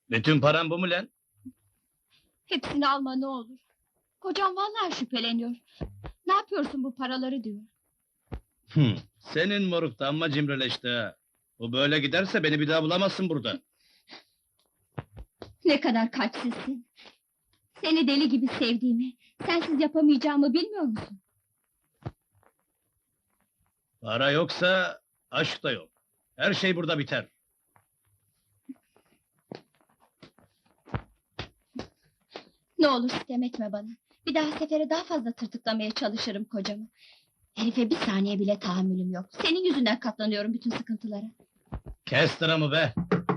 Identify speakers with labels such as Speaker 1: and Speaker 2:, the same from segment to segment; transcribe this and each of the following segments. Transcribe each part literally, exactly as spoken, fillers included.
Speaker 1: Bütün paran bu mu lan?
Speaker 2: Hepsini alma ne olur. Kocam vallahi şüpheleniyor. Ne yapıyorsun bu paraları diyor.
Speaker 1: Hı. Senin moruk da amma cimrileşti ha. Bu böyle giderse beni bir daha bulamazsın burada.
Speaker 2: Ne kadar kalpsizsin. Seni deli gibi sevdiğimi, sensiz yapamayacağımı bilmiyor musun?
Speaker 1: Para yoksa aşk da yok. Her şey burada biter.
Speaker 2: Ne olur sitem etme bana. Bir daha sefere daha fazla tırtıklamaya çalışırım kocamı. Herife bir saniye bile tahammülüm yok. Senin yüzünden katlanıyorum bütün sıkıntılara.
Speaker 1: Kes tıramı be!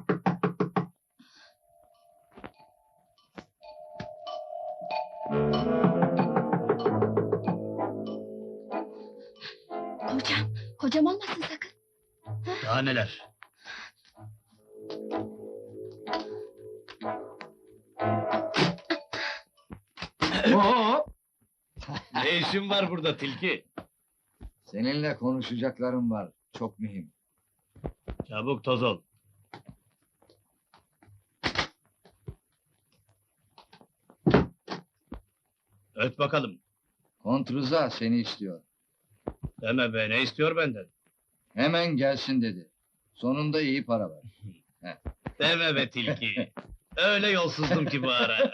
Speaker 2: Kocam, kocam olmasın sakın.
Speaker 1: Daha neler?
Speaker 3: Oo!
Speaker 1: Ne işin var burada tilki?
Speaker 3: Seninle konuşacaklarım var. Çok mühim.
Speaker 1: Çabuk toz ol. Öt bakalım.
Speaker 3: Kontruza seni istiyor.
Speaker 1: Deme be, ne istiyor benden?
Speaker 3: Hemen gelsin dedi. Sonunda iyi para var.
Speaker 1: Deme be tilki. Öyle yolsuzdum ki bu ara.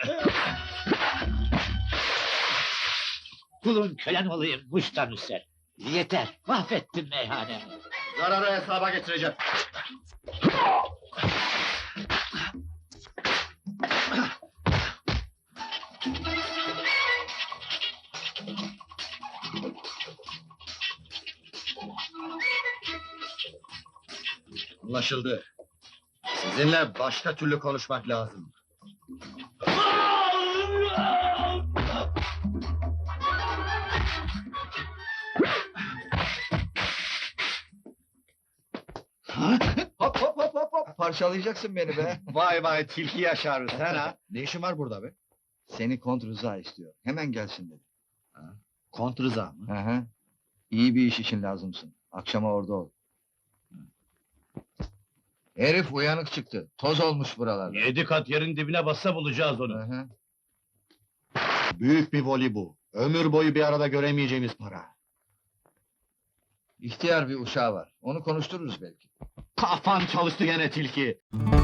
Speaker 4: Kulun kölen olayım muştan üser. Yeter, mahvettin meyhanemi.
Speaker 3: Zararı hesaba getireceğim. Anlaşıldı. Sizinle başka türlü konuşmak lazım. Hop hop hop hop hop! Parçalayacaksın beni be!
Speaker 5: Vay vay tilki yaşarız sen ha.
Speaker 3: Ne işin var burada be? Seni Kont Rıza istiyor. Hemen gelsin dedi.
Speaker 5: Kont Rıza mı?
Speaker 3: Hı hı. İyi bir iş için lazımsın. Akşama orada ol. Herif uyanık çıktı. Toz olmuş buralarda.
Speaker 1: Yedi kat yerin dibine bassa bulacağız
Speaker 3: Hı
Speaker 1: onu.
Speaker 3: hı.
Speaker 5: Büyük bir voli bu. Ömür boyu bir arada göremeyeceğimiz para.
Speaker 3: İhtiyar bir uşağı var. Onu konuştururuz belki.
Speaker 5: Kafan çalıştı gene tilki.